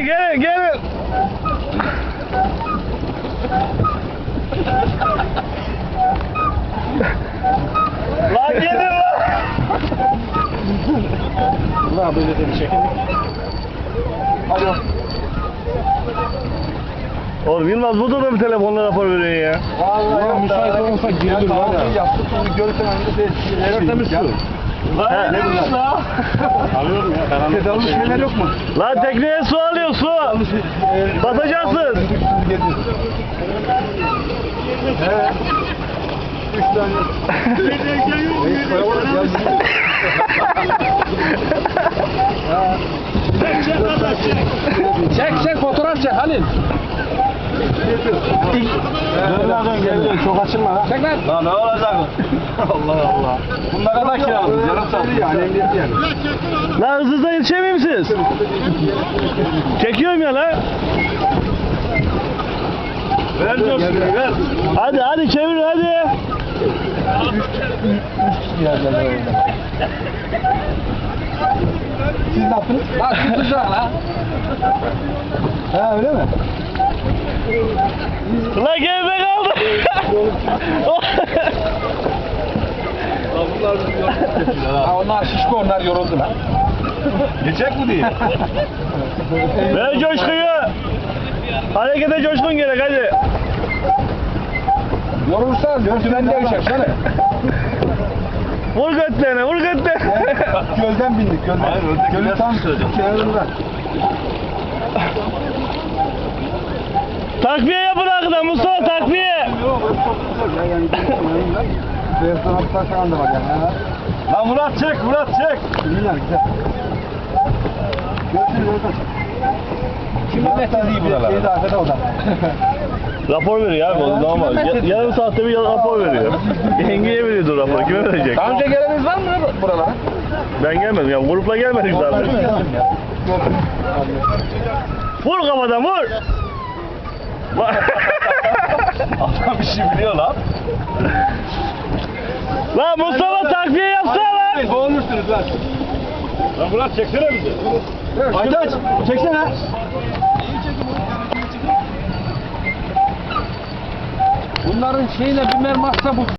gelin. Lan gelin lan. Ulan böyle de bir çekindik. Alo. Oğlum Yılmaz burada da bir telefonla rapor veriyor ya. Vallahi ya, müsait olursa gelir var ya. Yaptık onu görürsen hani de Tertemiz su. Lan ne bunlar? Alıyorum ya. Tedavi şeyler yok mu? Lan tekneye su alıyor su. Batacaksın. He. 3 tane. Çek fotoğraf çek Halil. Dön gel çok açılma lan. Çek lan. Lan ne olacak? Allah Allah. Bu ne kadar kiraladınız? Yarım saat yani emniyet yani. Lan hızlıca yetişemiyor musunuz? Çekiyorum ya lan. Ver coşkuyu ver. Hadi çevir hadi. Siz ne yaptınız? Bak tutacak lan. Ha öyle mi? Lan geride kaldı. Ha onlar şişko onlar yoruldu lan. Geçecek mi diye? Ver coşkuyu. Harekete coşkun gerek hadi. Yorulursan dörtümen de uçak sana. Vur götlerine vur götlerine. Gölden bindik gölden. Hayır, öndeki Gölün biraz tam söyleyeceğim. kenarında. Takviye yapın arkadan Mustafa takviye. Yok çok güzel ya yani. Restoran falan da var yani. Lan Murat çek. Güzel güzel. Görüşürüz oradan. Kimin metezi buralar? Şeyde arkada o da. Rapor veriyor abi o normal. Yarım saatte bir rapor veriyor. Yengeye veriyordur rapor. Kime verecek? Daha önce geleniniz var mı buralara? Ben gelmedim ya. Grupla gelmedik zaten. Vur kafadan vur. Adam bir şey biliyor lan. Lan Mustafa takviye yapsana lan. Boğulmuşsunuz lan. Lan Murat çeksene bizi. Aytaç çeksene. Bunların şeyine bir mermazsa bu